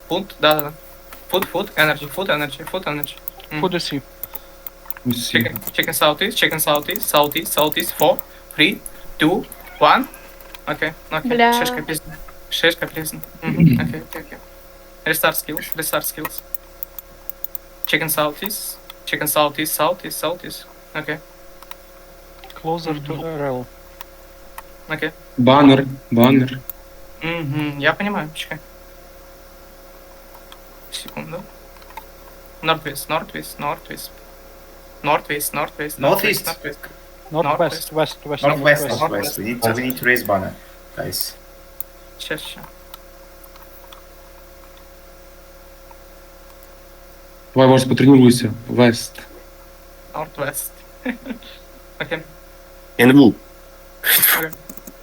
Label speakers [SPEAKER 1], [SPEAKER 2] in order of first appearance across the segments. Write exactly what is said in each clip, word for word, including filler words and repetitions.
[SPEAKER 1] Food, да-да-да. Food, food, energy, food, energy, food, energy. Мгм.
[SPEAKER 2] Куди сі?
[SPEAKER 3] Усі.
[SPEAKER 1] Chicken, chicken southeast, chicken southeast, southeast, southeast, four, three, two, one. Окей, окей.
[SPEAKER 4] Бля.
[SPEAKER 1] Шишка пізно. Шишка пізно. Мгм, окей, окей, окей. Restart skills, restart skills. Chicken southeast, chicken southeast, southeast, southeast. Окей,
[SPEAKER 2] Closer to ар ел.
[SPEAKER 1] окей.
[SPEAKER 3] Банер, банер.
[SPEAKER 1] Мгм, я понимаю, чекай. Секунду. Northwest, northwest, northwest. Northwest, northwest,
[SPEAKER 5] Northeast?
[SPEAKER 1] northwest.
[SPEAKER 2] Northwest, west, west,
[SPEAKER 5] Northwest,
[SPEAKER 2] northwest.
[SPEAKER 5] northwest. We need to, we need to raise banner, guys.
[SPEAKER 1] Ще, ще.
[SPEAKER 3] Давай, Вась, потренуйся. Вест.
[SPEAKER 1] Northwest. Окей.
[SPEAKER 6] НВ.
[SPEAKER 1] Окей.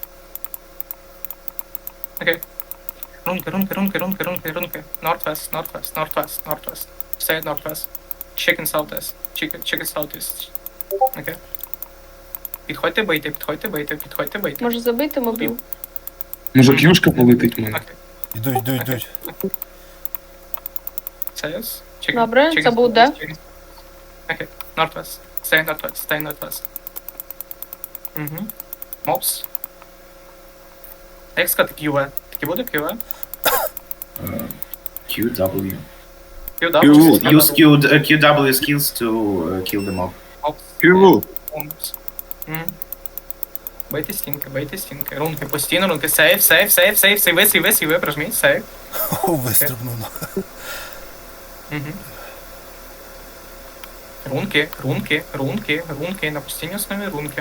[SPEAKER 1] Окей. Рунки, рунки, рунки, рунки, рунки, рунки. Northwest, northwest, northwest, northwest. Stay at northwest. Chicken southeast. Chicken, chicken southeast. Окей. Підходьте, бийте, підходьте, бийте, підходьте, бийте.
[SPEAKER 4] Може забити мобіл?
[SPEAKER 3] Може к'юшка полетить в мене?
[SPEAKER 1] Окей.
[SPEAKER 7] Ідуть, йдуть, йдуть.
[SPEAKER 1] Союз. Chicken,
[SPEAKER 4] Добре,
[SPEAKER 1] chicken
[SPEAKER 4] це буде.
[SPEAKER 1] southeast, chicken. Окей. Northwest. Stay northwest, stay northwest. Угу. Мопс. Як сказати Q V? Таки буде Q V?
[SPEAKER 5] Uh, Q W.
[SPEAKER 1] Q W.
[SPEAKER 6] Q.
[SPEAKER 5] Use Q, uh, Q W skills to uh, kill them all.
[SPEAKER 1] Мопс.
[SPEAKER 6] КВ.
[SPEAKER 1] Мопс. Мгм. Бийте стінки, бийте стінки. Рунки по стіну, рунки. Сейв, сейв, сейв, сейв, сейви, сейви, сейви, прожміть, сейв.
[SPEAKER 7] О, вистрибнув.
[SPEAKER 1] Угу. Рунки, рунки, рунки, рунки, на постійній основі рунки.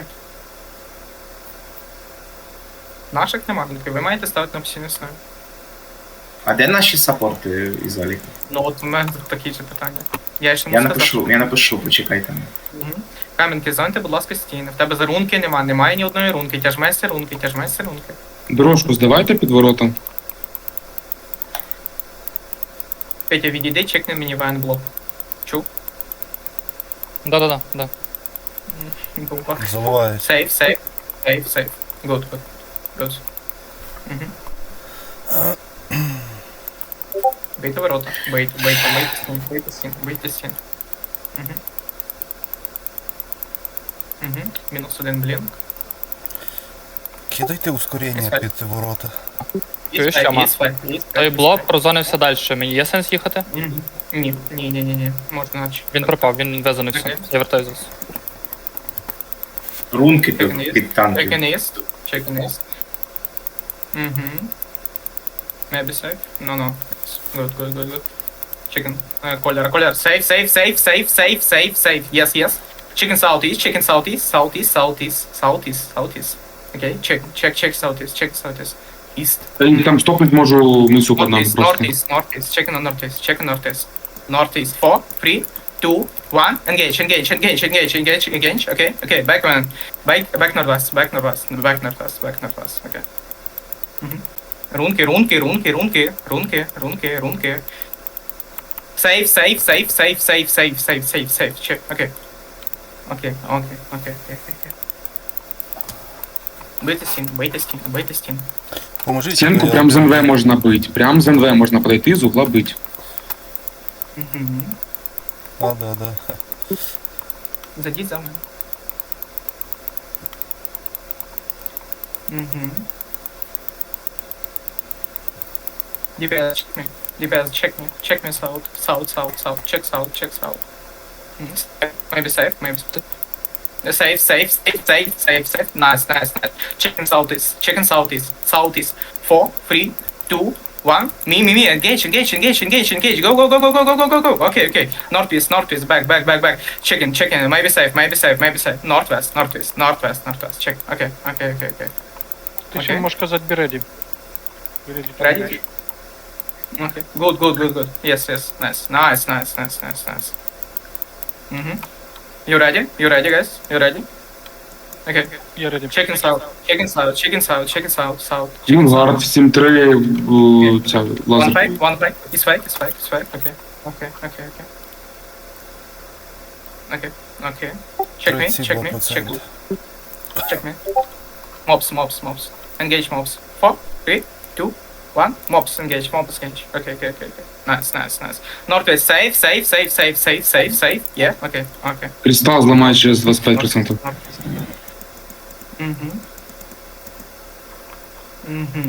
[SPEAKER 1] Наших нема рунки, ви маєте ставити на постійній основі.
[SPEAKER 5] А де наші саппорти із Аліка?
[SPEAKER 1] Ну от у мене тут такі ж питання. Я ще
[SPEAKER 5] Я
[SPEAKER 1] не сказав.
[SPEAKER 5] напишу, я напишу, почекайте.
[SPEAKER 1] Угу. Кам'янки, зоньте, будь ласка, стіни. В тебе за рунки нема, немає ні одної рунки. Тяжмайся рунки, тяжмайся рунки.
[SPEAKER 3] Дорожку здавайте під ворота.
[SPEAKER 1] Петя, відійди, чекни мені вайн-блок. Чув?
[SPEAKER 2] Да-да-да, да.
[SPEAKER 1] Бумба.
[SPEAKER 7] Заливають.
[SPEAKER 1] Сейф, сейф, сейф, сейф. Good, good. Good. Угу. Бийте ворота. Бийте, бийте, бийте стін, бийте стін, бийте стін. Угу. Угу. Мінус один блінк.
[SPEAKER 7] Кидайте ускорення під ворота.
[SPEAKER 2] Чуєш,
[SPEAKER 1] Є
[SPEAKER 2] Тьома?
[SPEAKER 1] свайп, є свайп,
[SPEAKER 2] Той
[SPEAKER 1] є
[SPEAKER 2] блок
[SPEAKER 1] свайп.
[SPEAKER 2] прозонився далі. Мені є сенс їхати?
[SPEAKER 1] Мгм. Ні, ні, ні, ні, ні. Можна наче.
[SPEAKER 2] Він пропав, він везонився.
[SPEAKER 1] Окей.
[SPEAKER 2] Я вертаю зараз.
[SPEAKER 5] Рунки
[SPEAKER 1] Chicken
[SPEAKER 5] під,
[SPEAKER 1] East.
[SPEAKER 5] під танки.
[SPEAKER 1] Chicken East. Chicken East. Мгм. Maybe safe? No, no. Good, good, good, good. Chicken. Uh, color, color. Safe, safe, safe, safe, safe, safe, safe. Yes, yes. Chicken southeast, chicken southeast, southeast, southeast, southeast, southeast. Okay, check, check, check southeast, check southeast. East.
[SPEAKER 3] Я там стопнуть можу внизу під нами
[SPEAKER 1] Northeast,
[SPEAKER 3] просто.
[SPEAKER 1] northeast, northeast. Check on northeast, check on northeast. Northeast. Four, three, two, one. Engage, engage, engage, engage, engage, engage. Okay, okay. Back one. Back, back northwest, back northwest, back northwest, back northwest. Okay. Mhm. Рунки, рунки, рунки, рунки, рунки, рунки, рунки. Save, save, save, save, save, save, save, save, save. Check. Okay. Окей, окей, окей, окей, окей. Бийте стін, бийте стін, бийте стін.
[SPEAKER 7] Поможіть.
[SPEAKER 3] Стінку
[SPEAKER 7] я-
[SPEAKER 3] прям з НВ можна бить. Прям з НВ можна подойти, з угла бить.
[SPEAKER 1] Мгм.
[SPEAKER 7] Да, да, да.
[SPEAKER 1] Зайдіть за мною. Угу. ді пі ес, check me. ді пі ес, check me. Check me south. South, south, south. Check south, check south. Mhm. Maybe safe, maybe safe. Safe, safe, safe, safe, safe, safe. Nice, nice, nice. Chicken southeast, chicken southeast, southeast. Four, three, two, one. Me, me, me. Engage, engage, engage, engage, engage. Go, go, go, go, go, go, go, go, go. Okay, okay. Northeast, northeast. Back, back, back, back. Chicken, chicken. Maybe safe, maybe safe, maybe safe. Northwest, northeast, northwest, northwest. Check. Okay, okay, okay, okay.
[SPEAKER 2] Ти ще
[SPEAKER 1] Окей.
[SPEAKER 2] можеш казати be ready. Be ready to
[SPEAKER 1] Ready?
[SPEAKER 2] engage.
[SPEAKER 1] Okay. Good, good, good, good. Yes, yes. Nice, nice, nice, nice, nice, nice. Mm-hmm. You ready? You ready, guys? You ready? Okay.
[SPEAKER 2] Я ready.
[SPEAKER 1] Chicken south, chicken south, chicken south, chicken south, south. Chicken
[SPEAKER 3] Кінгард,
[SPEAKER 1] south.
[SPEAKER 3] сім три, у, ця
[SPEAKER 1] One
[SPEAKER 3] лазер.
[SPEAKER 1] fake, one fake. It's fake, it's fake, it's fake. Okay. Okay, okay, okay. Okay, okay. Check me, check me, check me. Check me. Mobs, mobs, mobs. Engage mobs. Four, three, two, one. Mobs engage, mobs engage. Okay, okay, okay, okay. Nice, nice, nice. Northwest, safe, safe, safe, safe, safe, safe, safe. Yeah, okay, okay.
[SPEAKER 3] Кристал зламає через двадцять п'ять відсотків.
[SPEAKER 1] Угу. Угу.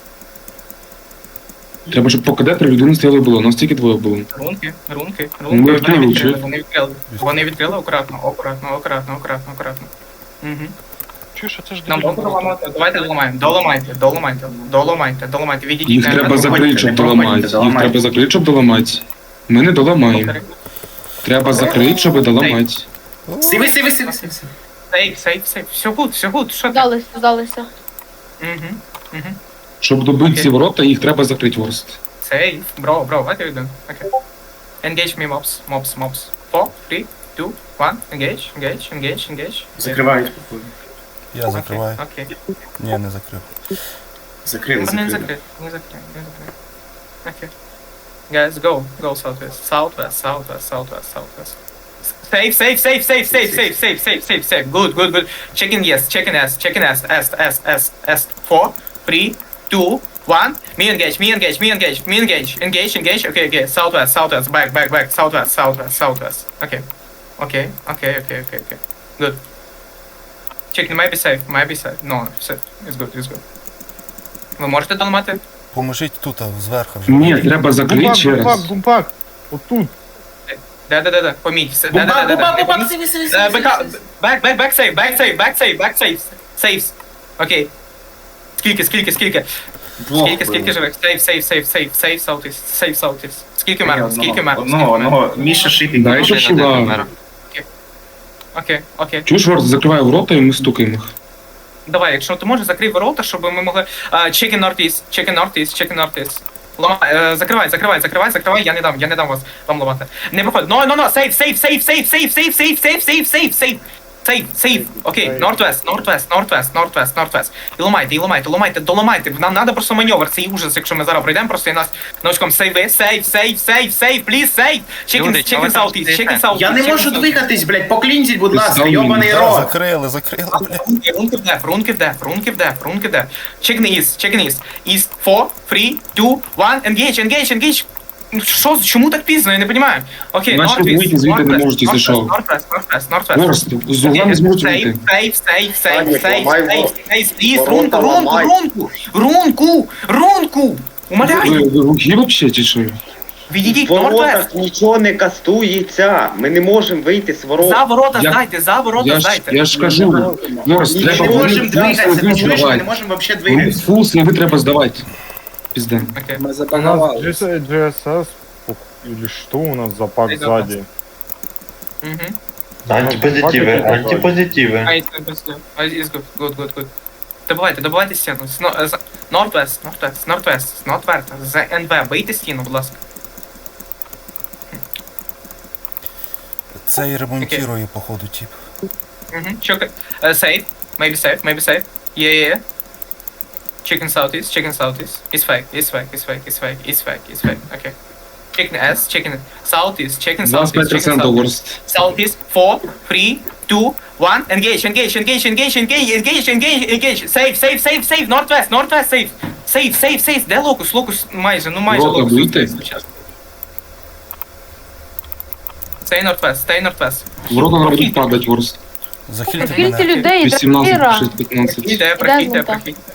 [SPEAKER 3] Треба, щоб по КД три людини стояли було. У нас тільки двоє було.
[SPEAKER 1] Рунки, рунки,
[SPEAKER 3] Ну,
[SPEAKER 1] рунки.
[SPEAKER 3] відкрили,
[SPEAKER 1] Вони відкрили,
[SPEAKER 3] чи?
[SPEAKER 1] вони відкрили. Вони відкрили акуратно, акуратно, акуратно, акуратно, акуратно. Угу.
[SPEAKER 2] Чуєш, а це ж
[SPEAKER 1] Нам
[SPEAKER 2] дебільно.
[SPEAKER 1] можна ламати? Давайте доламаємо. Доламайте, доламайте, доламайте, доламайте. Відійдіть.
[SPEAKER 3] Їх
[SPEAKER 1] на
[SPEAKER 3] треба
[SPEAKER 1] мене.
[SPEAKER 3] закрити, щоб доламати. Їх треба закрити, щоб доламати. Ми не доламаємо. Треба закрити, щоб доламати.
[SPEAKER 5] Сиви, сиви, сиви, сиви. сиви.
[SPEAKER 1] Сейф, сейф, сейф. Все гуд, все гуд. Що ти?
[SPEAKER 4] Здалися, здалися.
[SPEAKER 1] Угу. Угу.
[SPEAKER 3] Щоб добити
[SPEAKER 1] Окей.
[SPEAKER 3] ці ворота, їх треба закрити ворст.
[SPEAKER 1] Сейф. Бро, бро, what are you doing? Okay. Engage me mobs, mobs, mobs. Four, three, two, one. Engage, engage, engage, engage.
[SPEAKER 5] Закривають походу.
[SPEAKER 7] Я закриваю.
[SPEAKER 1] Окей.
[SPEAKER 7] Ні, не закрив.
[SPEAKER 5] Закрили,
[SPEAKER 1] Okay. Не
[SPEAKER 5] закрили.
[SPEAKER 1] закрив, не закрив, не закрив. Окей. Guys, go, go southwest, southwest, southwest, southwest, southwest. Safe, safe, safe, safe, safe, safe, safe, safe, safe, safe. Good, good, good. Check in yes, check in S, check in S, S, S, S, S. Four, three, two, one. Me engage, me engage, me engage, me engage, engage, engage. Okay, okay. Southwest, southwest, back, back, back. Southwest, southwest, southwest. Okay, okay, okay, okay, okay, okay. Good. Check in, might be safe, might be safe. No, safe. It's good, it's good. Ви можете доламати?
[SPEAKER 7] Поможіть тут, а, зверху вже.
[SPEAKER 3] Ні, треба закрити ще раз.
[SPEAKER 2] бумпак. Отут.
[SPEAKER 1] Да, да, да, да. Поміть. Все. Да,
[SPEAKER 5] Бумбак,
[SPEAKER 1] да, да, да.
[SPEAKER 5] бумбак,
[SPEAKER 1] Не
[SPEAKER 5] бумбак,
[SPEAKER 1] поміть.
[SPEAKER 5] сиви, сиви,
[SPEAKER 1] Е,
[SPEAKER 5] сиви,
[SPEAKER 1] бека-
[SPEAKER 5] сиви.
[SPEAKER 1] Back, back, back save, back save, back save, back save. Saves. Окей. Скільки, скільки, скільки?
[SPEAKER 5] Двох
[SPEAKER 1] Скільки, скільки
[SPEAKER 5] було.
[SPEAKER 1] живих? Сейв, сейв, сейв, сейв, сейв, саутіс, сейв, саутіс. Скільки
[SPEAKER 5] Одного,
[SPEAKER 1] мерно, скільки мерно?
[SPEAKER 5] Одного, одного. Міша шипінг.
[SPEAKER 3] Дай ще шива.
[SPEAKER 1] Окей, окей.
[SPEAKER 3] Чуєш, ворст закриває ворота і ми стукаємо їх.
[SPEAKER 1] Давай, якщо ти можеш, закрий ворота, щоб ми могли... Check in northeast, check in northeast, check in northeast. Ламай, е, закривай, закривай, закривай, закривай, я не дам, я не дам вас, вам ламати. Не проходь, no, no, no, save, save, save, save, save, save, save, save, save, save, save. Сейв, сейв, окей, Northwest, Northwest, Northwest, Northwest, Northwest. І ламайте, і ламайте, ламайте, доламайте. Нам треба просто маневр, цей ужас, якщо ми зараз пройдемо, просто і нас научком сейви, сейв, сейв, сейв, сейв, please, сейв. Chicken,
[SPEAKER 2] Люди,
[SPEAKER 1] chicken
[SPEAKER 2] чого ви там
[SPEAKER 1] southeast,
[SPEAKER 2] стоїте?
[SPEAKER 1] chicken southeast.
[SPEAKER 5] Я не
[SPEAKER 1] chicken
[SPEAKER 5] можу
[SPEAKER 1] southeast.
[SPEAKER 5] двигатись, блядь, поклінзіть, будь ласка,
[SPEAKER 3] Представлю,
[SPEAKER 5] йобаний
[SPEAKER 7] Да,
[SPEAKER 5] рот.
[SPEAKER 7] закрили, закрили, блядь.
[SPEAKER 1] Рунки, рунки в деф, рунки в деф, рунки в деф, рунки в деф. Chicken east, chicken east. East, four, three, two, one, engage, engage, engage. Ну, Що, чому так пізно, я не розумію. Окей,
[SPEAKER 3] Наші
[SPEAKER 1] Northwest,
[SPEAKER 3] вийти звідти не
[SPEAKER 1] Northwest,
[SPEAKER 3] можуть, якщо що.
[SPEAKER 1] Northwest, Northwest, Northwest.
[SPEAKER 3] Ворст, з угла не зможуть вийти.
[SPEAKER 1] Сейф, сейф, сейф,
[SPEAKER 6] Санік,
[SPEAKER 1] сейф,
[SPEAKER 6] ламай
[SPEAKER 1] сейф,
[SPEAKER 6] ворота.
[SPEAKER 1] сейф, пліз,
[SPEAKER 6] Ворота
[SPEAKER 1] рунку, рунку,
[SPEAKER 6] ламай.
[SPEAKER 1] рунку, рунку, рунку.
[SPEAKER 3] Ви,
[SPEAKER 1] Умоляю,
[SPEAKER 3] ви глухі вообще чи що?
[SPEAKER 1] відійдіть,
[SPEAKER 6] В воротах
[SPEAKER 1] Northwest.
[SPEAKER 6] нічого не кастується. Ми не можемо вийти з ворот.
[SPEAKER 1] За ворота
[SPEAKER 3] Я-
[SPEAKER 1] здайте, за ворота
[SPEAKER 3] Я ж,
[SPEAKER 1] здайте.
[SPEAKER 3] я ж кажу, Ворст,
[SPEAKER 5] Ми
[SPEAKER 3] треба
[SPEAKER 5] не можемо
[SPEAKER 3] вони
[SPEAKER 5] двигатися,
[SPEAKER 3] фул
[SPEAKER 5] ти чуєш, ми не
[SPEAKER 3] здавати.
[SPEAKER 5] можемо взагалі
[SPEAKER 3] Вони
[SPEAKER 5] двигатися.
[SPEAKER 3] фул сейви треба здавати. Пізда.
[SPEAKER 1] Окей.
[SPEAKER 8] Мы
[SPEAKER 9] У нас
[SPEAKER 8] забаговали.
[SPEAKER 9] джи эс эс или что у нас за пак
[SPEAKER 1] Айда,
[SPEAKER 9] сзади?
[SPEAKER 1] Мгм.
[SPEAKER 10] Антипозитиви, антипозитиви.
[SPEAKER 1] А, it's good, it's good. А, it's good, good, good, good. Добивайте, добивайте стіну. З но- з- Northwest, Northwest, Northwest, Northwest, з ен ве, бийте стіну, будь ласка.
[SPEAKER 7] Цей ремонтує, походу, тип.
[SPEAKER 1] Мгм. Чок, uh, safe, maybe safe, maybe safe. Yeah, yeah, yeah. Chicken southeast, chicken southeast. It's fake, it's fake, it's fake, it's fake, it's fake, it's fake. Okay. Chicken S, chicken southeast, chicken
[SPEAKER 3] двадцять п'ять
[SPEAKER 1] southeast, chicken
[SPEAKER 3] відсотків
[SPEAKER 1] southeast.
[SPEAKER 3] ворст.
[SPEAKER 1] Southeast, four, three, two, one. Engage, engage, engage, engage, engage, engage, engage, engage. Save, save, save, save. Northwest, Northwest, save. Save, save, save. Де локус? Локус майже, ну майже
[SPEAKER 3] Ворота
[SPEAKER 1] локус.
[SPEAKER 3] бийте.
[SPEAKER 1] Stay Northwest, stay Northwest.
[SPEAKER 3] Ворота не будуть падати, ворст.
[SPEAKER 7] Захильте
[SPEAKER 4] Скільки
[SPEAKER 7] мене.
[SPEAKER 4] людей,
[SPEAKER 3] вісімнадцять,
[SPEAKER 4] дракира.
[SPEAKER 3] шість, п'ятнадцять.
[SPEAKER 1] Прохідьте, прохідьте,
[SPEAKER 4] зонта?
[SPEAKER 1] прохідьте.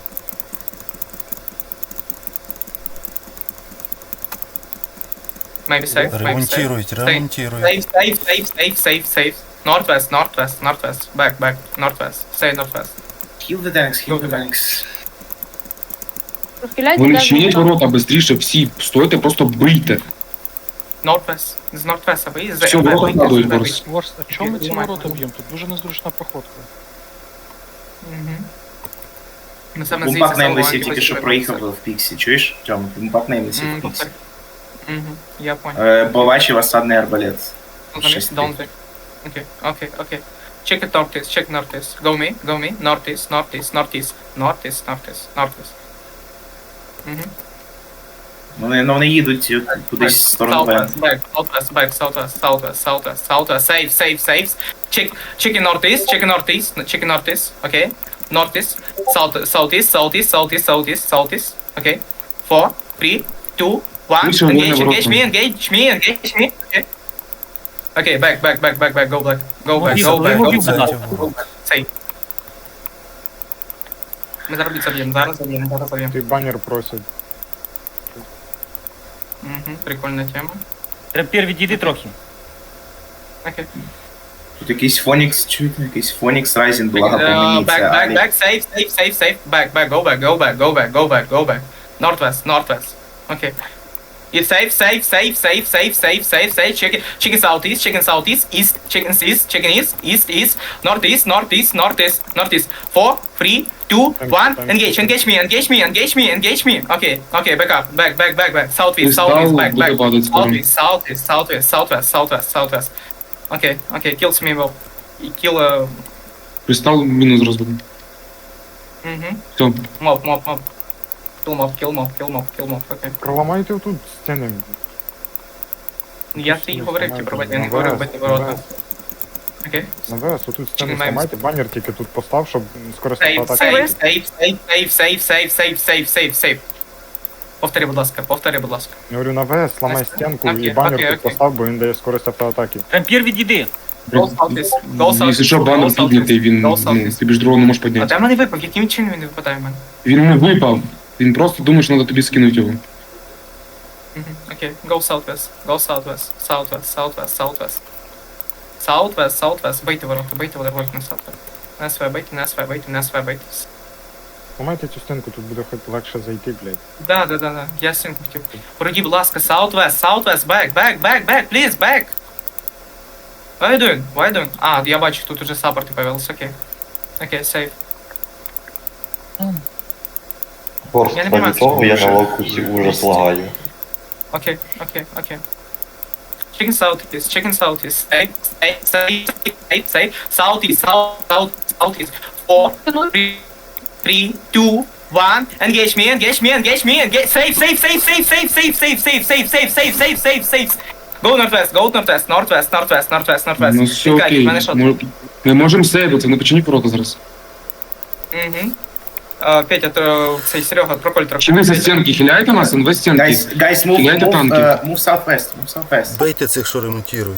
[SPEAKER 1] Maybe safe, maybe safe.
[SPEAKER 7] Ремонтують, ремонтують.
[SPEAKER 1] Save, save, save, save, save, save. Northwest, Northwest, Northwest. Back, back, Northwest. Stay Northwest.
[SPEAKER 5] Heal the tanks, heal the tanks.
[SPEAKER 4] Розхиляйте
[SPEAKER 3] Вони
[SPEAKER 4] де
[SPEAKER 3] чинять
[SPEAKER 4] зонта.
[SPEAKER 3] ворота швидше, всі. Стойте, просто бийте.
[SPEAKER 1] Northwest. З Northwest виїзд.
[SPEAKER 3] Все, ворота падають, ворст.
[SPEAKER 2] Ворс, а чому ми ці
[SPEAKER 1] Ламай.
[SPEAKER 2] ворота б'ємо? Тут дуже незручна проходка.
[SPEAKER 1] Угу. Ну, саме
[SPEAKER 5] Бумпак
[SPEAKER 1] звідси
[SPEAKER 5] неймлесі
[SPEAKER 1] самого
[SPEAKER 5] тільки що проїхав в Піксі, чуєш? Тьому, бумпак неймлесі в Піксі.
[SPEAKER 1] Угу, я понял.
[SPEAKER 5] Е, Бачив осадний арбалет. шесть
[SPEAKER 1] Don't do. Okay, okay, okay. Check it northeast, check northeast. Go me, go me. Northeast, northeast, northeast, northeast, northeast, northeast. Угу.
[SPEAKER 5] Вони, ну, вони їдуть кудись в сторону Вен.
[SPEAKER 1] Southwest, back, southwest, back, southwest, southwest, southwest, southwest. Save, save, saves. Check, check in northeast, check in northeast, check in northeast. Okay. Northeast, south, southeast, southeast, southeast, southeast, southeast. Okay. Four, three, two, one.
[SPEAKER 3] Вийшов,
[SPEAKER 1] Engage,
[SPEAKER 3] вон
[SPEAKER 1] engage me, engage me, engage me. Okay. Okay, back, back, back, back, back. Go back. Go back,
[SPEAKER 4] Мобів,
[SPEAKER 1] go back,
[SPEAKER 4] мобів,
[SPEAKER 1] go
[SPEAKER 4] будь
[SPEAKER 1] back.
[SPEAKER 4] ласка.
[SPEAKER 1] Go back. Сейф. Ми зараз заб'ємо, зараз заб'ємо, зараз заб'ємо.
[SPEAKER 9] Ти банер просить.
[SPEAKER 1] Угу, прикольна тема.
[SPEAKER 4] Трампір, відійди трохи.
[SPEAKER 1] Окей.
[SPEAKER 5] Тут якийсь Фонікс, чуєте? Якийсь Фонікс Rising, благо по
[SPEAKER 1] Uh,
[SPEAKER 5] мені.
[SPEAKER 1] back,
[SPEAKER 5] Це
[SPEAKER 1] back,
[SPEAKER 5] Алі.
[SPEAKER 1] back, safe, safe, safe, safe. Back, back, go back, go back, go back, go back, go back. Northwest, northwest. Okay. It's safe, safe, safe, safe, safe, safe, safe, safe. Chicken, chicken southeast, chicken southeast, east, chicken east, chicken east, east, east, northeast, northeast, northeast, northeast. Four, three, two, one. Engage, engage me, engage me, engage me, engage me. Okay, okay, back up, back, back, back, back. Southeast,
[SPEAKER 3] Кристал
[SPEAKER 1] southeast, back,
[SPEAKER 3] буде
[SPEAKER 1] back.
[SPEAKER 3] падати скоро.
[SPEAKER 1] Southeast, southeast, southwest, southwest, southwest, southwest. Okay, okay, kills me, well. Kill, uh,
[SPEAKER 3] Кристал мінус розводом.
[SPEAKER 1] mhm.
[SPEAKER 3] Все.
[SPEAKER 1] Mob, mob, mob. Kill mob, kill mob, kill mob, kill mob, окей.
[SPEAKER 9] Проламайте тут стіни.
[SPEAKER 1] Я тобі говорив, ті проводять, я не
[SPEAKER 9] На
[SPEAKER 1] говорив,
[SPEAKER 9] ВС,
[SPEAKER 1] бити
[SPEAKER 9] на
[SPEAKER 1] ворота.
[SPEAKER 9] ВС.
[SPEAKER 1] Окей.
[SPEAKER 9] На ВС, отут стіни
[SPEAKER 1] Чекай, маємо.
[SPEAKER 9] зламайте, банер тільки тут постав, щоб скористати
[SPEAKER 1] Сейв,
[SPEAKER 9] атаки.
[SPEAKER 1] сейв, сейв, сейв, сейв, сейв, сейв, сейв, сейв, сейв, сейв. Повтори, будь ласка, повтори, будь ласка.
[SPEAKER 9] Я говорю, на ВС, ламай
[SPEAKER 1] Окей,
[SPEAKER 9] стінку
[SPEAKER 1] окей,
[SPEAKER 9] і банер
[SPEAKER 1] окей,
[SPEAKER 9] тут
[SPEAKER 1] окей.
[SPEAKER 9] постав, бо він дає скорість автоатаки.
[SPEAKER 4] Трампір, відійди.
[SPEAKER 1] Go southeast, go southeast,
[SPEAKER 3] Якщо
[SPEAKER 1] go
[SPEAKER 3] банер
[SPEAKER 1] southeast,
[SPEAKER 3] піднятий, він
[SPEAKER 1] go
[SPEAKER 3] ну,
[SPEAKER 1] southeast.
[SPEAKER 3] тобі ж другого не можеш
[SPEAKER 1] А
[SPEAKER 3] підняти.
[SPEAKER 1] де в мене випав? Яким чином він не випадає в мене?
[SPEAKER 3] Він не випав. Він просто думає, що треба тобі скинути його.
[SPEAKER 1] Мгм, окей, go southwest, go southwest, southwest, southwest, southwest. Southwest, southwest, бийте ворота, бийте ворота на southwest. На СВ, бийте, на СВ, бийте, на СВ, бийте.
[SPEAKER 9] Ламайте цю стінку, тут буде хоч легше зайти, блядь.
[SPEAKER 1] Да, да, да, да. Я сим хотів. Пройди, будь ласка, Southwest, Southwest, back, back, back, back, please, back. What are you doing? What are you doing? А, я бачу, тут уже саппорти появились, окей. Окей, сейф.
[SPEAKER 10] Просто
[SPEAKER 1] Я не понимаю,
[SPEAKER 10] ради того я
[SPEAKER 1] що-
[SPEAKER 10] на локусі ужас лагаю.
[SPEAKER 1] Окей, окей, окей. Chicken southeast, chicken southeast, safe, safe, safe, safe, safe, southeast, south, south, southeast. Four, three, three, two, one. Engage me, engage me, engage me, engage. Safe, safe, safe, safe, safe, safe, safe, safe, safe, safe, safe, safe, safe, safe. Go northwest, go northwest, northwest, northwest, northwest, northwest.
[SPEAKER 3] Ну все
[SPEAKER 1] Чекай,
[SPEAKER 3] окей.
[SPEAKER 1] в мене що?
[SPEAKER 3] Ми- Ми можемо сейвити, не починіть ворота зараз.
[SPEAKER 1] Угу. А, Петя, то цей Серега, проколь трохи.
[SPEAKER 3] Чи ви за стінки хиляєте нас? НВ стінки.
[SPEAKER 5] Guys, guys, move,
[SPEAKER 3] Кидайте
[SPEAKER 5] move,
[SPEAKER 3] танки.
[SPEAKER 5] uh, move southwest, move southwest.
[SPEAKER 7] Бейте цих, що ремонтують.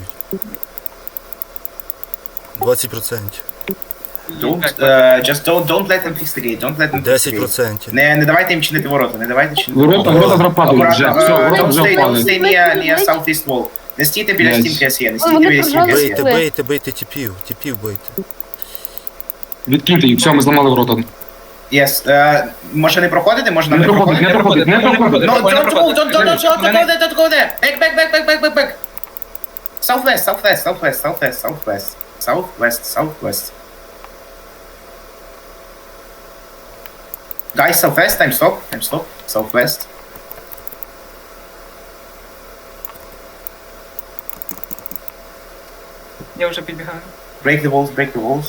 [SPEAKER 7] двадцять відсотків.
[SPEAKER 5] Don't, uh, just don't, don't let them fix the gate, don't let them fix the
[SPEAKER 7] десять
[SPEAKER 5] gate.
[SPEAKER 7] відсотків.
[SPEAKER 5] Не, не давайте їм чинити ворота, не давайте чинити
[SPEAKER 3] Ворота, ворота вже падають, вже.
[SPEAKER 5] Акуратно,
[SPEAKER 3] Все,
[SPEAKER 5] uh,
[SPEAKER 3] ворота
[SPEAKER 5] don't
[SPEAKER 3] вже
[SPEAKER 5] stay, don't
[SPEAKER 3] впали.
[SPEAKER 5] stay near, near southeast wall. Не стійте біля
[SPEAKER 3] Блядь.
[SPEAKER 5] стінки СЄ, не
[SPEAKER 8] Ой,
[SPEAKER 5] стійте
[SPEAKER 8] вони
[SPEAKER 5] біля стінки
[SPEAKER 8] прожали.
[SPEAKER 7] Бейте,
[SPEAKER 5] СЄ.
[SPEAKER 7] бейте, бейте тіпів, тіпів бейте.
[SPEAKER 3] Відкиньте їх, все, ми зламали ворота.
[SPEAKER 5] Yes, uh, може не проходити, може нам
[SPEAKER 3] Не
[SPEAKER 5] не
[SPEAKER 3] проходить, не
[SPEAKER 5] проходити.
[SPEAKER 3] проходить, не проходить.
[SPEAKER 5] No,
[SPEAKER 1] Прикольно
[SPEAKER 5] don't go,
[SPEAKER 1] проходить.
[SPEAKER 5] don't, don't, don't, don't,
[SPEAKER 1] Мене-
[SPEAKER 5] don't go there, don't go there. Back, back, back, back, back, back, back. Southwest, southwest, southwest, southwest, southwest, southwest, southwest. Guys, southwest, time stop, time stop, southwest.
[SPEAKER 1] Я вже підбігаю.
[SPEAKER 5] Break the walls, break the walls.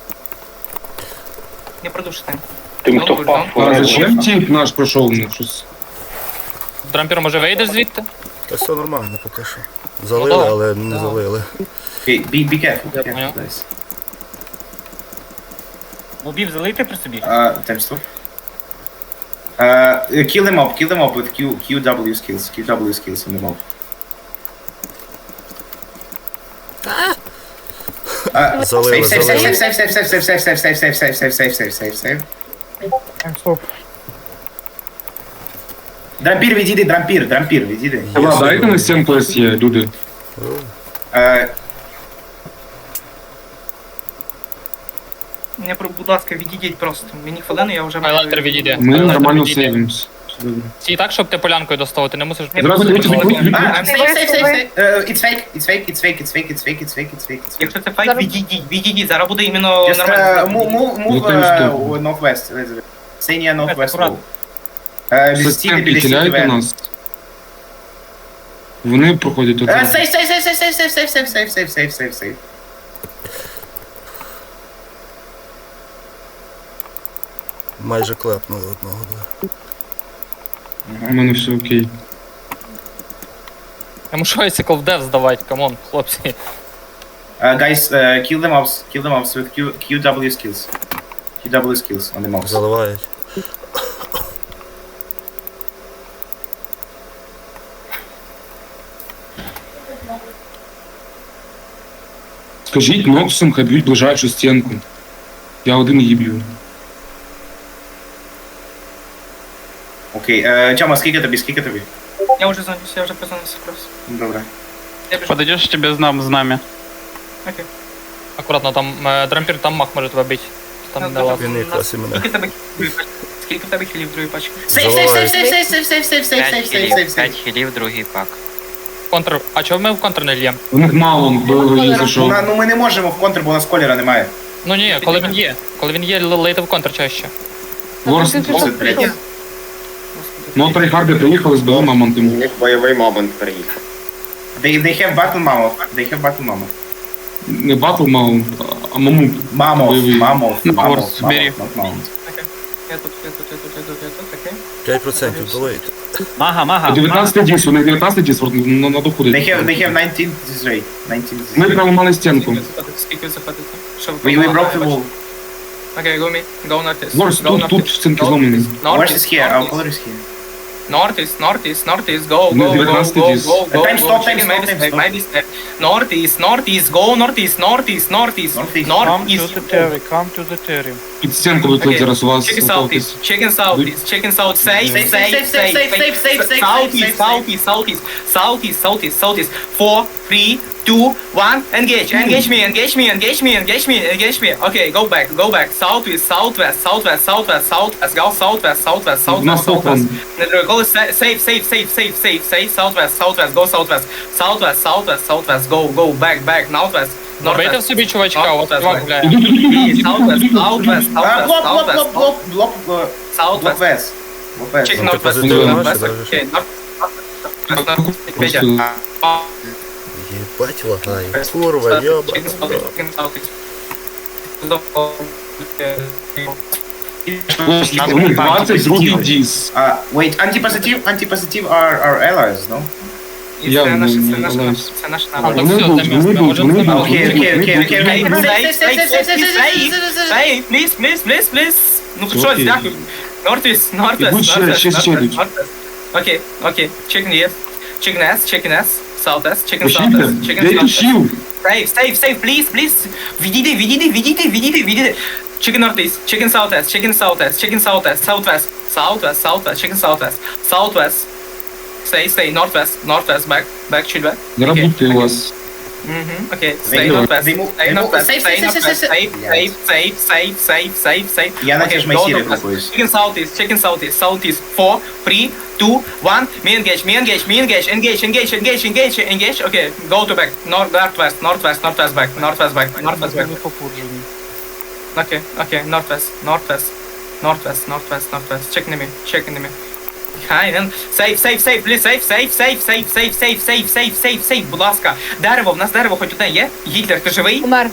[SPEAKER 1] Не продушите.
[SPEAKER 10] Тим, хто
[SPEAKER 1] Don't,
[SPEAKER 10] впав,
[SPEAKER 1] don't.
[SPEAKER 3] А зачем тип наш пройшов? Ну, щось.
[SPEAKER 4] Трампір, може вийдеш звідти?
[SPEAKER 7] Та все нормально поки що. Залили,
[SPEAKER 4] да.
[SPEAKER 7] але не залили.
[SPEAKER 5] Okay, be, be careful, be
[SPEAKER 4] Я
[SPEAKER 5] careful,
[SPEAKER 4] понял.
[SPEAKER 5] guys.
[SPEAKER 4] Мобів залити при собі?
[SPEAKER 5] Uh, time stop. Uh, kill them up, kill them up with Q, QW skills, QW skills on the mob. Uh,
[SPEAKER 7] Залили,
[SPEAKER 5] save, save,
[SPEAKER 7] залили.
[SPEAKER 5] save, save, save, save, save, save, save, save, save, save, save, save, save, save.
[SPEAKER 9] Таймстоп.
[SPEAKER 5] Дрампір відійди, дрампір, дрампір відійди.
[SPEAKER 3] Ва, дайте на стінку СЄ, люди.
[SPEAKER 5] Е,
[SPEAKER 1] Мені, про- будь ласка, відійдіть просто. Мені хвилину, я вже
[SPEAKER 4] Хайлайтер відійде.
[SPEAKER 3] Ми
[SPEAKER 4] Хайлайтер
[SPEAKER 3] нормально
[SPEAKER 4] відійде.
[SPEAKER 3] сейвимось. Все добре.
[SPEAKER 4] Стій так, щоб ти полянкою достав, ти не мусиш...
[SPEAKER 3] Зразу дивіться,
[SPEAKER 5] а,
[SPEAKER 3] від- від-
[SPEAKER 5] save, save, save, save. Е, It's fake, it's fake, it's fake, it's fake, it's fake, it's fake, it's fake, it's fake.
[SPEAKER 1] Якщо це фейк, відійдіть, відійдіть. Зараз буде іменно
[SPEAKER 5] Just uh,
[SPEAKER 1] нормально.
[SPEAKER 5] move, move, move
[SPEAKER 3] Ну, time
[SPEAKER 5] uh,
[SPEAKER 3] stop.
[SPEAKER 5] northwest, Elizabeth. Stay near northwest wall.
[SPEAKER 1] Аккуратно.
[SPEAKER 5] Е,
[SPEAKER 3] За
[SPEAKER 5] Стійте
[SPEAKER 3] стінки
[SPEAKER 5] біля
[SPEAKER 3] хиляйте
[SPEAKER 5] стінки.
[SPEAKER 3] нас. Вони проходять тут.
[SPEAKER 5] Е, Save, save, save, save, save, save, save, save, save, save, save, save, save.
[SPEAKER 7] Майже клепнули одного. Да.
[SPEAKER 3] У мене все окей.
[SPEAKER 4] Я мушу Icicle в дев здавати, камон, хлопці.
[SPEAKER 5] Uh, guys, uh, kill the mobs. Kill the mobs with Q, QW skills. QW skills on the mobs.
[SPEAKER 7] Заливають.
[SPEAKER 3] Скажіть Ноксом, хай б'ють ближайшу стінку. Я один її б'ю.
[SPEAKER 5] Окей, е, Тьома, скільки тобі, скільки тобі?
[SPEAKER 1] Я вже зонюсь, я вже позвонився просто.
[SPEAKER 5] Добре.
[SPEAKER 1] Я біжу.
[SPEAKER 2] Подойдеш, тебе знам, знамя.
[SPEAKER 1] Окей.
[SPEAKER 4] Акуратно, там е, дрампір, там мах може тебе бити. Там
[SPEAKER 1] Ну,
[SPEAKER 4] не лаз.
[SPEAKER 7] Він якраз і мене.
[SPEAKER 1] Скільки в тебе хілів? Скільки в тебе хілів в другій пачці?
[SPEAKER 5] Сейф, сейф, сейф, сейф, сейф, сейф, сейф, сейф, сейф, сейф, сейф, сейф, сейф.
[SPEAKER 4] хілів, другий пак. Контр. А чого ми в контр не льємо?
[SPEAKER 3] У них мало, бо їх зайшов.
[SPEAKER 5] На- Ну ми не можемо в контр, бо у нас колера немає.
[SPEAKER 4] Ну ні, коли він є. Коли він є, л- лейте в контр чаще.
[SPEAKER 3] Ворс,
[SPEAKER 5] Це третє.
[SPEAKER 3] ну трейхарди приїхали, збили
[SPEAKER 6] У
[SPEAKER 3] мамонтом.
[SPEAKER 6] них бойовий мамонт приїхав.
[SPEAKER 5] They, they have battle mammoth. They have battle mammoth.
[SPEAKER 3] Не батл маунт, а мамут.
[SPEAKER 5] Mammoth,
[SPEAKER 3] Бойовий.
[SPEAKER 5] mammoth,
[SPEAKER 2] Ну,
[SPEAKER 5] mammoth,
[SPEAKER 2] Ворс, бери.
[SPEAKER 5] mammoth, not mammoth.
[SPEAKER 1] Окей. Я тут, я тут, я тут, я тут, я тут, окей.
[SPEAKER 7] п'ять відсотків долейте.
[SPEAKER 4] Мага, мага.
[SPEAKER 3] дев'ятнадцятий діс, вони дев'ятнадцятий діс на, на доходить.
[SPEAKER 5] They have, they have nineteen this rate. nineteen this
[SPEAKER 3] Ми
[SPEAKER 5] rate.
[SPEAKER 3] прямо мали стінку.
[SPEAKER 1] Скільки ви заходите? Скільки ви заходите? Що ви
[SPEAKER 5] We, we
[SPEAKER 1] побудували?
[SPEAKER 5] broke the wall.
[SPEAKER 1] Окей, go me. Go northeast.
[SPEAKER 3] Ворс,
[SPEAKER 1] Go
[SPEAKER 3] тут, тут
[SPEAKER 1] northeast.
[SPEAKER 3] стінки
[SPEAKER 1] Go
[SPEAKER 3] зломані.
[SPEAKER 1] northeast.
[SPEAKER 5] Wars is here, our
[SPEAKER 1] Northeast.
[SPEAKER 5] color is here.
[SPEAKER 1] Northeast, northeast, northeast, go,
[SPEAKER 3] Ну,
[SPEAKER 1] go, go,
[SPEAKER 3] дев'ятнадцятий
[SPEAKER 1] go,
[SPEAKER 3] діс.
[SPEAKER 1] go, go,
[SPEAKER 5] Time
[SPEAKER 1] go,
[SPEAKER 5] stop, time
[SPEAKER 1] chicken,
[SPEAKER 5] stop,
[SPEAKER 1] maybe
[SPEAKER 5] time
[SPEAKER 1] step,
[SPEAKER 5] stop.
[SPEAKER 1] maybe step. Northeast, northeast, go, northeast, northeast, northeast,
[SPEAKER 5] Northeast.
[SPEAKER 2] Come to
[SPEAKER 1] northeast.
[SPEAKER 2] the Terry, come to the Terry.
[SPEAKER 3] Під стінку виклик
[SPEAKER 1] Okay.
[SPEAKER 3] зараз у вас.
[SPEAKER 1] Chicken
[SPEAKER 3] готовтесь.
[SPEAKER 1] southeast, chicken southeast, chicken south, safe,
[SPEAKER 5] Safe,
[SPEAKER 1] safe,
[SPEAKER 5] safe,
[SPEAKER 1] safe,
[SPEAKER 5] safe, safe, safe, safe,
[SPEAKER 1] southeast,
[SPEAKER 5] safe,
[SPEAKER 1] southeast, southeast, southeast, southeast, southeast, four, three, two, one, engage, engage me, engage me, engage me, engage me, engage me. Okay, go back, go back, southwest, southwest, southwest, southwest, southwest, go southwest, southwest, southwest, southwest. Go sa- safe, safe, safe, safe, safe, safe, southwest, southwest, go southwest, southwest, southwest, southwest, go, go, back, back, northwest,
[SPEAKER 4] Бейте в
[SPEAKER 1] northwest.
[SPEAKER 4] собі чувачка, у вас чувак гуляє.
[SPEAKER 1] Southwest, southwest,
[SPEAKER 5] А,
[SPEAKER 1] southwest,
[SPEAKER 5] блок, блок,
[SPEAKER 1] southwest,
[SPEAKER 5] блок, блок, блок, блок, блок
[SPEAKER 1] southwest.
[SPEAKER 5] west. Блок west.
[SPEAKER 1] Check
[SPEAKER 7] Ну, ти
[SPEAKER 1] northwest,
[SPEAKER 7] позитивно
[SPEAKER 1] northwest,
[SPEAKER 7] бачиш,
[SPEAKER 1] okay, northwest, northwest, Петя.
[SPEAKER 7] Єбать лагає. Курва, йоба.
[SPEAKER 3] У них двадцять другий діс.
[SPEAKER 5] Uh, wait, anti-positive, anti-positive are our allies, no?
[SPEAKER 1] І
[SPEAKER 3] Я
[SPEAKER 1] це
[SPEAKER 3] не-
[SPEAKER 1] наше,
[SPEAKER 3] не
[SPEAKER 1] це наше,
[SPEAKER 3] алаюсь.
[SPEAKER 1] це наше
[SPEAKER 4] А,
[SPEAKER 1] наше.
[SPEAKER 4] то
[SPEAKER 3] Вони
[SPEAKER 4] все,
[SPEAKER 3] будуть,
[SPEAKER 4] це
[SPEAKER 3] вони
[SPEAKER 4] місце,
[SPEAKER 3] будуть,
[SPEAKER 4] можемо
[SPEAKER 3] вони
[SPEAKER 4] з ними
[SPEAKER 3] будуть.
[SPEAKER 5] Окей, окей, окей, окей, окей.
[SPEAKER 1] Safe, safe, safe, safe, safe, please, please, please, please. Ну
[SPEAKER 3] Окей.
[SPEAKER 1] щось, дякую. Northeast, northwest,
[SPEAKER 3] Ідуть ще-
[SPEAKER 1] northwest,
[SPEAKER 3] ще- ще
[SPEAKER 1] northwest,
[SPEAKER 3] йдуть.
[SPEAKER 1] northwest. Окей, окей, chicken yes, chicken S, chicken S, southwest, chicken
[SPEAKER 3] Пошіпте,
[SPEAKER 1] southwest, chicken
[SPEAKER 3] дайте
[SPEAKER 1] southwest.
[SPEAKER 3] щіл.
[SPEAKER 1] Safe, safe, safe, please, please. Відійди, відійди, відійди, відійди, відійди. Chicken northeast, chicken southwest, chicken southwest, chicken southwest, southwest, southwest, southwest, chicken southwest, southwest. Stay, stay, northwest, northwest, back, back, chill back.
[SPEAKER 3] Зараз
[SPEAKER 1] Okay,
[SPEAKER 3] будьте у
[SPEAKER 1] okay.
[SPEAKER 3] вас.
[SPEAKER 1] Mhm, okay,
[SPEAKER 5] They
[SPEAKER 1] stay
[SPEAKER 5] move,
[SPEAKER 1] northwest,
[SPEAKER 5] they move,
[SPEAKER 1] stay
[SPEAKER 5] they move.
[SPEAKER 1] northwest,
[SPEAKER 5] Safe,
[SPEAKER 1] stay
[SPEAKER 5] safe, safe,
[SPEAKER 1] northwest,
[SPEAKER 5] safe,
[SPEAKER 1] safe,
[SPEAKER 5] safe.
[SPEAKER 1] safe, safe, safe, safe, safe, safe.
[SPEAKER 5] Я на
[SPEAKER 1] Okay,
[SPEAKER 5] те ж
[SPEAKER 1] go
[SPEAKER 5] майсірі
[SPEAKER 1] northwest.
[SPEAKER 5] рухаюсь.
[SPEAKER 1] Chicken southeast, chicken southeast, southeast, four, three, two, one. Me engage, me engage, me engage, engage, engage, engage, engage, engage. Okay, go to back, north, northwest, northwest, northwest back, northwest back, northwest back.
[SPEAKER 2] Вони попуджені.
[SPEAKER 1] Okay, okay, northwest, northwest, northwest, northwest, northwest. Check enemy, check enemy. Behind and safe, safe, safe, please, safe, safe, safe, safe, safe, safe, safe, safe, safe, safe, будь ласка. Дерево, в нас дерево хоч одне є? Гітлер, ти живий?
[SPEAKER 8] Умер.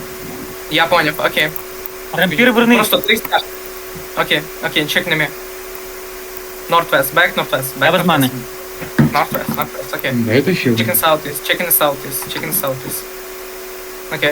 [SPEAKER 1] Я поняв, окей.
[SPEAKER 4] Рампір верни.
[SPEAKER 1] Просто три стяж. Окей, окей, check enemy. Northwest, back northwest, back
[SPEAKER 4] без мене.
[SPEAKER 1] Northwest, northwest, окей.
[SPEAKER 3] Дайте щіл.
[SPEAKER 1] Chicken southeast, chicken southeast, chicken southeast. Okay.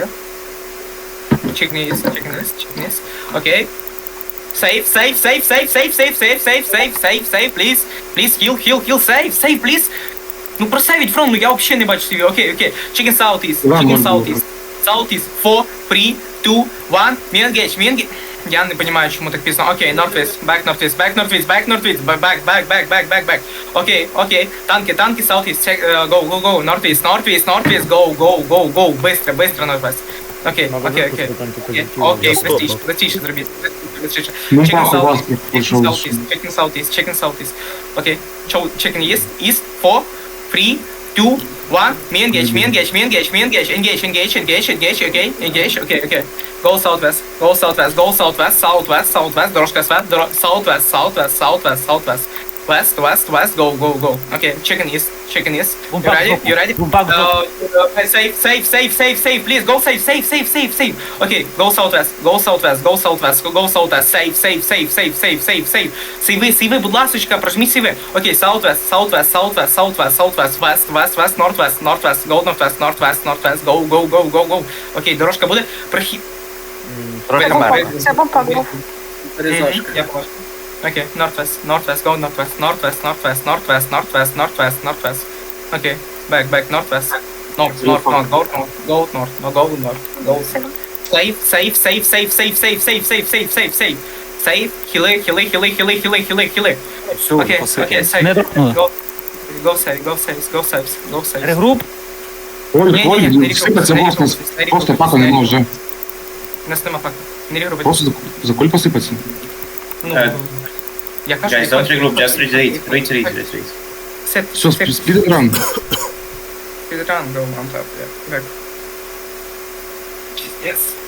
[SPEAKER 1] Chicken east, chicken east, chicken east. Okay. Safe, safe, safe, safe, safe, safe, safe, safe, safe, safe, safe, please. Please, heal, heal, heal, save, save, please. Ну просейвіть фронт, ну я вообще не бачу собі. Окей, окей. Chicken southeast,
[SPEAKER 3] Ладно,
[SPEAKER 1] chicken
[SPEAKER 3] ладно.
[SPEAKER 1] southeast. Southeast, four, three, two, one. Me engage, me engage. Я не понимаю, чому так пізно. Окей, northwest, back northwest, back northwest, back northwest, back, back, back, back, back, back, back. Окей, окей. Танки, танки, southeast, check, uh, go, go, go, northwest, northwest, northwest, go, go, go, go. Быстро, быстро northwest. Окей, окей, окей. Окей, окей,
[SPEAKER 7] Я стопнув.
[SPEAKER 1] простіше, простіше зробіть. Простіше.
[SPEAKER 3] Ну,
[SPEAKER 1] Chicken
[SPEAKER 3] пах, у вас
[SPEAKER 1] southeast, chicken
[SPEAKER 3] пройшов.
[SPEAKER 1] southeast, chicken southeast, chicken southeast. Окей, Chow- chicken east, east, four, three, two, one. Me engage, me engage, me engage, me engage, engage, engage, engage, engage, okay, engage, okay, okay. Go southwest, go southwest, go southwest, southwest, southwest, дорожка свет, доро- southwest, southwest, southwest, southwest. West, west, west, go, go, go. Okay, chicken east, chicken east. You ready? You ready? Uh, uh, safe, safe, safe, safe, safe. Please go safe, safe, safe, safe, safe. Okay, go southwest, go southwest, go southwest, go southwest. Safe, safe, safe, safe, safe, safe, safe. Сиви, сиви, будь ласочка, прожміть сиви. Okay, southwest, southwest, southwest, southwest, southwest, west, west, west, northwest, northwest, go northwest, northwest, northwest, go, go, go, go, go. Okay, дорожка буде прохід.
[SPEAKER 8] Це бомба був.
[SPEAKER 1] Я бачу. Okay, northwest, northwest, go northwest, northwest, northwest, northwest, northwest, northwest, northwest. Okay, back, back, northwest. North, north, north, go north, go north, no, go north, go north. Save, save, save, save, save, save, save, save, save, save, save. Save, хіли, хіли, хіли, хіли, хіли, хіли, хіли. Окей, окей, save.
[SPEAKER 2] Не торкнули.
[SPEAKER 1] Go, go save, go save, go save, go save.
[SPEAKER 2] Регруп.
[SPEAKER 3] Ой,
[SPEAKER 1] Ні, ні,
[SPEAKER 3] ой,
[SPEAKER 1] ні, не
[SPEAKER 3] сипеться
[SPEAKER 1] регрупи,
[SPEAKER 3] вопрос,
[SPEAKER 1] не
[SPEAKER 3] нас
[SPEAKER 1] регрупи, не
[SPEAKER 3] просто
[SPEAKER 1] регрупи,
[SPEAKER 3] пака
[SPEAKER 1] не
[SPEAKER 3] нема вже.
[SPEAKER 1] регрупи. Нас нема факту. Не регрупи.
[SPEAKER 3] Просто за, за куль посипеться.
[SPEAKER 1] Ну,
[SPEAKER 5] Е,
[SPEAKER 1] я кажу,
[SPEAKER 5] Guys, don't regroup, just retreat. Retreat, retreat.
[SPEAKER 1] Set,
[SPEAKER 3] Все,
[SPEAKER 1] set,
[SPEAKER 3] спідран.
[SPEAKER 1] speedrun, go on top, yeah. Back. Yes.